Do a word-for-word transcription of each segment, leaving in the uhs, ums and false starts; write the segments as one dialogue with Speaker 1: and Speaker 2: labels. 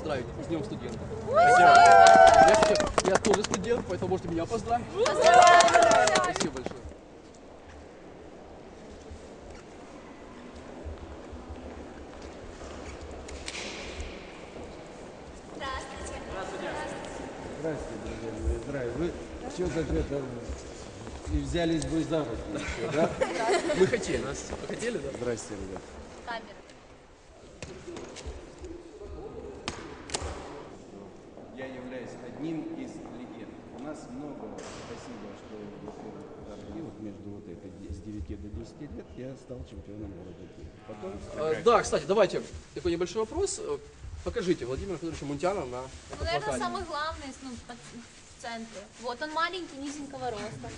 Speaker 1: поздравить с Днем студента. Я, я тоже студент, поэтому можете меня поздравить. Спасибо большое.
Speaker 2: Здравствуйте.
Speaker 3: Здравствуйте, друзья мои, здравия. Вы все как это и взялись бы за руку, да?
Speaker 1: Мы хотели, нас хотели, да?
Speaker 3: Здрасте, ребят.
Speaker 2: Камера.
Speaker 3: Я являюсь одним из легенд. У нас много, спасибо, что и вот между вот этой с девяти до десяти лет я стал чемпионом города Киева. Потом...
Speaker 1: А, да, кстати, давайте такой небольшой вопрос. Покажите Владимира Федоровича Мунтяна на
Speaker 2: Ну,
Speaker 1: этом
Speaker 2: наверное,
Speaker 1: плакате.
Speaker 2: самый главный, ну, в центре. Вот он маленький, низенького роста.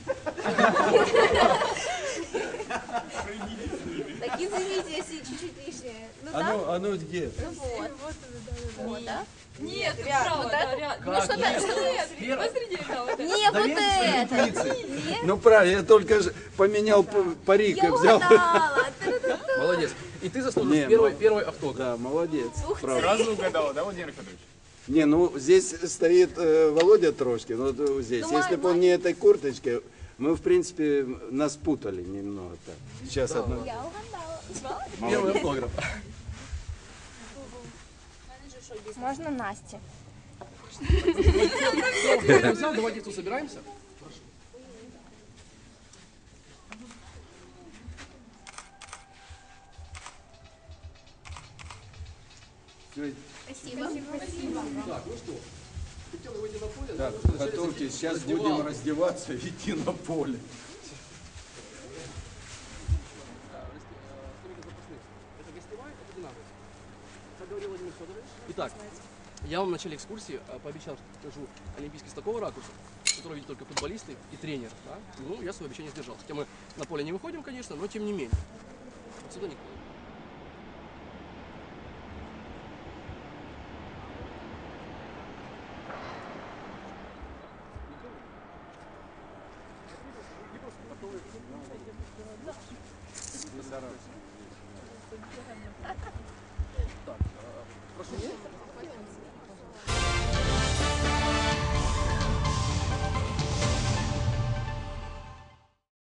Speaker 2: Так извините, если чуть-чуть лишнее. Ну
Speaker 3: А
Speaker 2: там,
Speaker 3: ну, а ну где?
Speaker 2: ну вот. Вот, да?
Speaker 4: Нет,
Speaker 2: Рядом,
Speaker 4: право,
Speaker 2: вот
Speaker 4: да,
Speaker 2: это?
Speaker 4: рядом.
Speaker 2: Ну что-то...
Speaker 4: Нет,
Speaker 1: Сперва.
Speaker 4: посреди, да, вот это.
Speaker 2: Не, вот это.
Speaker 3: Интуиции. Ну правильно, я только же поменял п- парик и
Speaker 2: Я
Speaker 3: взял.
Speaker 2: угадала.
Speaker 1: Молодец. И ты заслужишь
Speaker 3: Не,
Speaker 1: первый,
Speaker 3: ну-
Speaker 1: первый автограф.
Speaker 3: Да, молодец.
Speaker 2: Ух ты.
Speaker 3: Правда.
Speaker 5: Сразу угадала, да, Владимир Федорович?
Speaker 3: Не, ну здесь стоит э, Володя Трошкин, вот э, здесь.
Speaker 2: Ну,
Speaker 3: Если
Speaker 2: май-
Speaker 3: бы он не этой курточкой, мы, в принципе, нас путали немного так. Сейчас одну.
Speaker 2: Я угадала.
Speaker 1: Первый автограф.
Speaker 6: Можно Насте?
Speaker 1: Я взял, давайте тут собираемся.
Speaker 3: Всё,
Speaker 2: Спасибо.
Speaker 1: Так, ну что, хотел выйти на поле.
Speaker 3: так,
Speaker 1: да, вначале
Speaker 3: готовьтесь,
Speaker 1: зайти
Speaker 3: сейчас
Speaker 1: в
Speaker 3: будем
Speaker 1: раздевалку.
Speaker 3: раздеваться и идти на поле.
Speaker 1: Это гостевая, это динамика. Как говорил Владимир Федорович. Итак, я вам в начале экскурсии э, пообещал, что покажу Олимпийский с такого ракурса, который видят только футболисты и тренер. Да? Ну, я свое обещание сдержал. Хотя мы на поле не выходим, конечно, но тем не менее. Отсюда никто. Так, э, прошу.